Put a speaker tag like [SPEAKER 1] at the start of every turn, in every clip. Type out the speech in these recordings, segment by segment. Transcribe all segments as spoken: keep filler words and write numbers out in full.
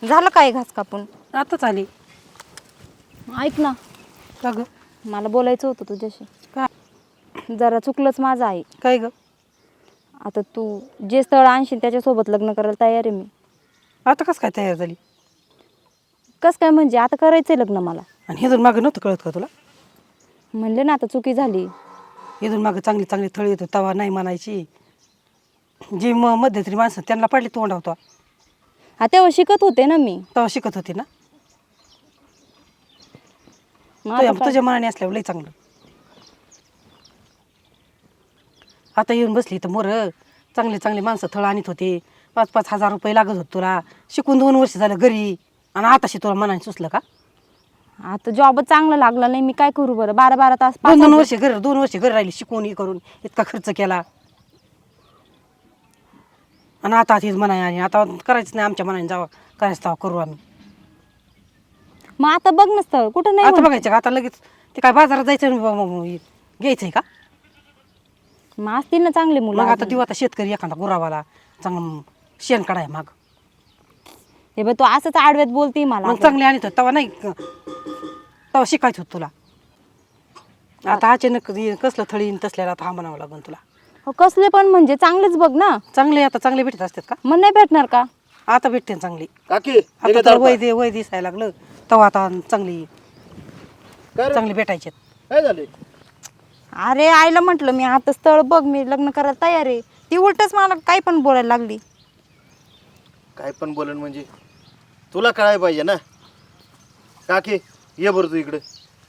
[SPEAKER 1] झालं काय घास कापून?
[SPEAKER 2] आताच आली.
[SPEAKER 1] ऐक ना,
[SPEAKER 2] का ग?
[SPEAKER 1] मला बोलायचं होतं तुझ्याशी.
[SPEAKER 2] काय
[SPEAKER 1] जरा चुकलंच माझं आहे.
[SPEAKER 2] काय ग?
[SPEAKER 1] आता तू जे स्थळ आणशील त्याच्यासोबत लग्न करायला तयार आहे मी.
[SPEAKER 2] आता कसं काय तयार झाली?
[SPEAKER 1] कसं काय म्हणजे? आता करायचंय लग्न मला.
[SPEAKER 2] आणि हे जर मागं नव्हतं कळत का तुला?
[SPEAKER 1] म्हणले ना आता चुकी झाली.
[SPEAKER 2] इथून मागं चांगली चांगली थळी येतो तवा नाही म्हणायची. जी म मध्यंतरी माणसं त्यांना पडली तोंड होता
[SPEAKER 1] हा तेव्हा शिकत होते ना मी.
[SPEAKER 2] तेव्हा शिकत होती ना.
[SPEAKER 1] मग आता
[SPEAKER 2] तुझ्या
[SPEAKER 1] काय?
[SPEAKER 2] तुझ्या मनाने असल्यावर लई चांगलं. आता येऊन बसली तर मोर चांगले चांगले माणसं थळ आणत होते. पाच पाच हजार रुपये लागत होते तुला. शिकून दोन वर्ष झालं घरी आणि आताशी तुला मनाने सुचलं का?
[SPEAKER 1] आता जॉब चांगला लागला नाही, मी काय करू बरं? बारा बारा तास
[SPEAKER 2] दोन दोन
[SPEAKER 1] पाच-
[SPEAKER 2] वर्ष घर दोन वर्ष घर राहिली शिकून हे करून इतका खर्च केला आणि आता हेच म्हणाय आणि आता करायचं नाही आमच्या मनाने जावं करायचं तेव्हा करू आम्ही.
[SPEAKER 1] मग आता बघ ना स्थळ कुठं नाही
[SPEAKER 2] आता
[SPEAKER 1] म्हणत.
[SPEAKER 2] बघायचं का आता लगेच ते काय बाजारात जायचं आणि ब- ब- ब- घ्यायचंय का?
[SPEAKER 1] मग असतील ना चांगले मुलं
[SPEAKER 2] मग आता
[SPEAKER 1] अजून.
[SPEAKER 2] देऊ आता शेतकरी एखादा गुरावाला चांगलं शेण काढाय माग
[SPEAKER 1] हे बघ तू असंच आडव्यात बोलती मला.
[SPEAKER 2] मग चांगले आणत होत तेव्हा नाही तेव्हा शिकायचं होतं तुला. आता अचानक हे कसलं थळी न तसल्याला आता हा म्हणावं लागून तुला.
[SPEAKER 1] हो, कसले पण म्हणजे चांगलेच बघ ना.
[SPEAKER 2] चांगले आता चांगले भेटत असतात का?
[SPEAKER 1] मग नाही भेटणार का?
[SPEAKER 2] आता भेटते ना चांगली.
[SPEAKER 3] काकी
[SPEAKER 2] आता तर वय दे वय दिसायला लागलं तेव्हा आता चांगली
[SPEAKER 3] काय रे?
[SPEAKER 2] चांगली भेटायचे.
[SPEAKER 3] काय झाले?
[SPEAKER 1] अरे आईला म्हटलं मी आता स्थळ बघ, मी लग्न करायला तयार आहे. ती उलटच मला काही पण बोलायला लागली.
[SPEAKER 3] काय पण बोलन म्हणजे तुला कळायला पाहिजे ना. काकी ये बरं तू इकडे.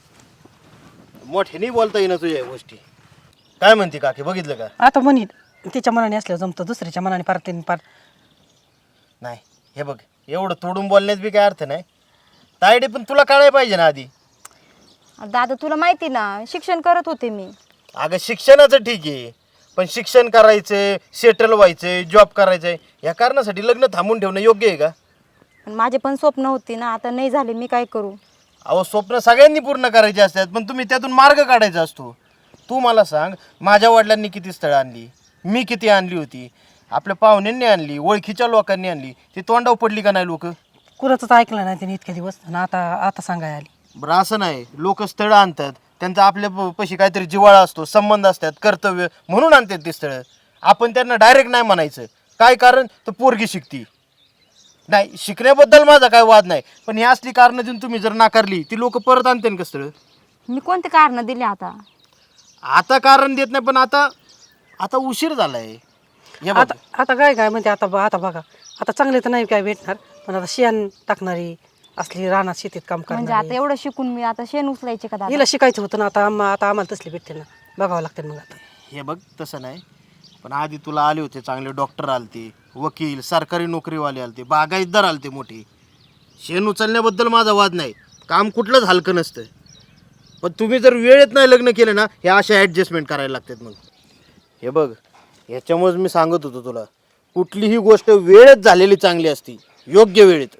[SPEAKER 3] मोठ्याने बोलता येईना तुझ्या या गोष्टी. काय म्हणते काकी बघितलं का?
[SPEAKER 2] आता म्हणी तिच्या मनाने असल्यावर जमतं दुसऱ्याच्या मनाने पार ते पार.
[SPEAKER 3] नाही हे बघ एवढं तोडून बोलण्यात बी काय अर्थ नाही. तायडे पण तुला कळायला पाहिजे ना आधी.
[SPEAKER 1] दादा तुला माहिती ना शिक्षण करत होते मी.
[SPEAKER 3] अगं शिक्षणाचं ठीक आहे पण शिक्षण करायचंय सेटल व्हायचंय जॉब करायचंय या कारणासाठी लग्न थांबून ठेवणं योग्य आहे का?
[SPEAKER 1] पण माझे पण स्वप्न होती ना, आता नाही झाले, मी काय करू?
[SPEAKER 3] अहो स्वप्न सगळ्यांनी पूर्ण करायचे असतात पण तुम्ही त्यातून मार्ग काढायचा असतो. तू मला सांग माझ्या वडिलांनी किती स्थळं आणली, मी किती आणली होती, आपल्या पाहुण्यांनी आणली, ओळखीच्या लोकांनी आणली, ती तोंडावर पडली का नाही लोक?
[SPEAKER 2] कुणाचंच ऐकलं नाही त्यांनी इतके दिवस आणि आता आता सांगाय आली.
[SPEAKER 3] बरं असं नाही, लोक स्थळं आणतात त्यांचा आपल्या प- पशी काहीतरी जिव्हाळा असतो, संबंध असतात, कर्तव्य म्हणून आणतात ती स्थळं. आपण त्यांना डायरेक्ट नाही म्हणायचं. काय कारण तर पोरगी शिकती नाही. शिकण्याबद्दल माझा काय वाद नाही पण ही असली कारणं देऊन तुम्ही जर नाकारली ती लोक परत आणते का स्थळं?
[SPEAKER 1] मी कोणते कारण दिले आता?
[SPEAKER 3] आता कारण देत नाही पण आता आता उशीर झालाय. हे बघ,
[SPEAKER 2] आता आता काय काय म्हणते आता ब- आता बघा आता चांगले तर नाही काय भेटणार पण आता शेण टाकणारी असली रानात शेतीत काम
[SPEAKER 1] म्हणजे
[SPEAKER 2] करणारी.
[SPEAKER 1] आता एवढं शिकून मी आता शेण उचलायचे का दादा?
[SPEAKER 2] हिला शिकायचं होतं ना आता आम्हा आता आम्हाला तसली भेटते ना बघावं लागतं मग आता.
[SPEAKER 3] हे बघ तसं नाही पण आधी तुला आले होते चांगले डॉक्टर आलते, वकील, सरकारी नोकरीवाले आलते, बागायतदार आलते मोठे. शेण उचलण्याबद्दल माझा वाद नाही, काम कुठलंच हलकं नसतं पण तुम्ही जर वेळेत नाही लग्न केलं ना हे अशा ॲडजस्टमेंट करायला लागतात. मग हे बघ ह्याच्यामुळेच मी सांगत होतो तुला कुठलीही गोष्ट वेळेत झालेली चांगली असती, योग्य वेळेत.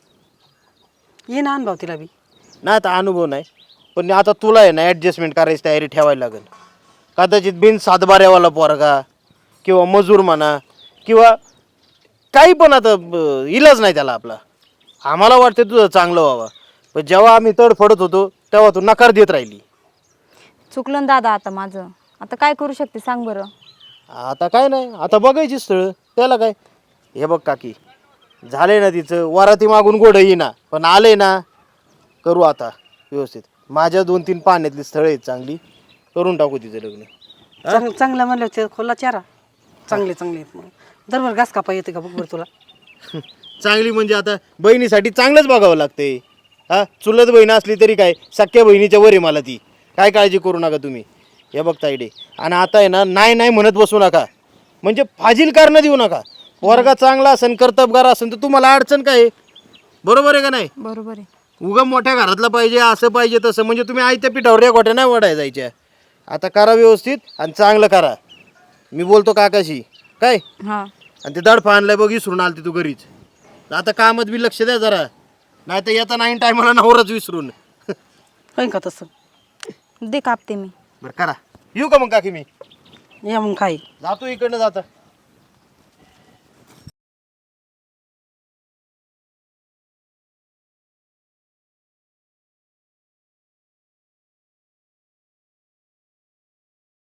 [SPEAKER 2] ये ना अनुभव तिला बी.
[SPEAKER 3] नाही आता अनुभव नाही पण आता तुला आहे ना ॲडजस्टमेंट करायची तयारी ठेवायला लागेल. कदाचित बिन सातबाऱ्यावाला पोरगा किंवा मजूर म्हणा किंवा काही पण आता ब- इलाज नाही त्याला आपला. आम्हाला वाटतं तुझं चांगलं व्हावं पण जेव्हा आम्ही तडफडत होतो तेव्हा तू नकार देत राहिली.
[SPEAKER 1] चुकलं ना दादा आता माझं. आता काय करू शकते सांग बरं?
[SPEAKER 3] आता काय नाही, आता बघायची स्थळं त्याला काय. हे बघ काकी झाले ना तिचं वराती मागून गोड येईना पण आले ना करू आता व्यवस्थित. माझ्या दोन तीन पाण्यातली स्थळं आहेत चांगली, करून टाकू तिचं लग्न.
[SPEAKER 2] चांग चांगलं म्हणलं ते खोला चारा चांगले चांगले आहेत मग. दरबार घास कापा येते का बघ बरं तुला?
[SPEAKER 3] चांगली म्हणजे आता बहिणीसाठी चांगलंच बघावं लागतंय. हा चुलत बहीण असली तरी काय सख्या बहिणीच्या वर आहे मला ती. काय काळजी करू नका तुम्ही. हे बघ तायडे आणि आता आहे ना नाही नाही म्हणत बसू नका, म्हणजे फाजील कारणं देऊ नका. वर्गा चांगला असेल कर्तबगार असेल तर तुम्हाला अडचण काय आहे? बरोबर आहे का नाही?
[SPEAKER 1] बरोबर आहे.
[SPEAKER 3] उगा मोठ्या घरातला पाहिजे असं पाहिजे तसं म्हणजे तुम्ही आयत्या पिठावर या गोट्या नाही वडाय जायच्या. आता करा व्यवस्थित आणि चांगलं करा. मी बोलतो काकाशी काय.
[SPEAKER 1] हां
[SPEAKER 3] आणि ते दडफा आणलाय बघ विसरून आलती तू घरीच. आता कामात बी लक्ष द्या जरा, नाही तर येता नाही टायमाला नवराच विसरून.
[SPEAKER 2] होईन का तसं?
[SPEAKER 1] दे कापते मी.
[SPEAKER 3] बरं करा. येऊ का मग काकी मी?
[SPEAKER 2] या मग काय
[SPEAKER 3] जातो इकडनं जाता.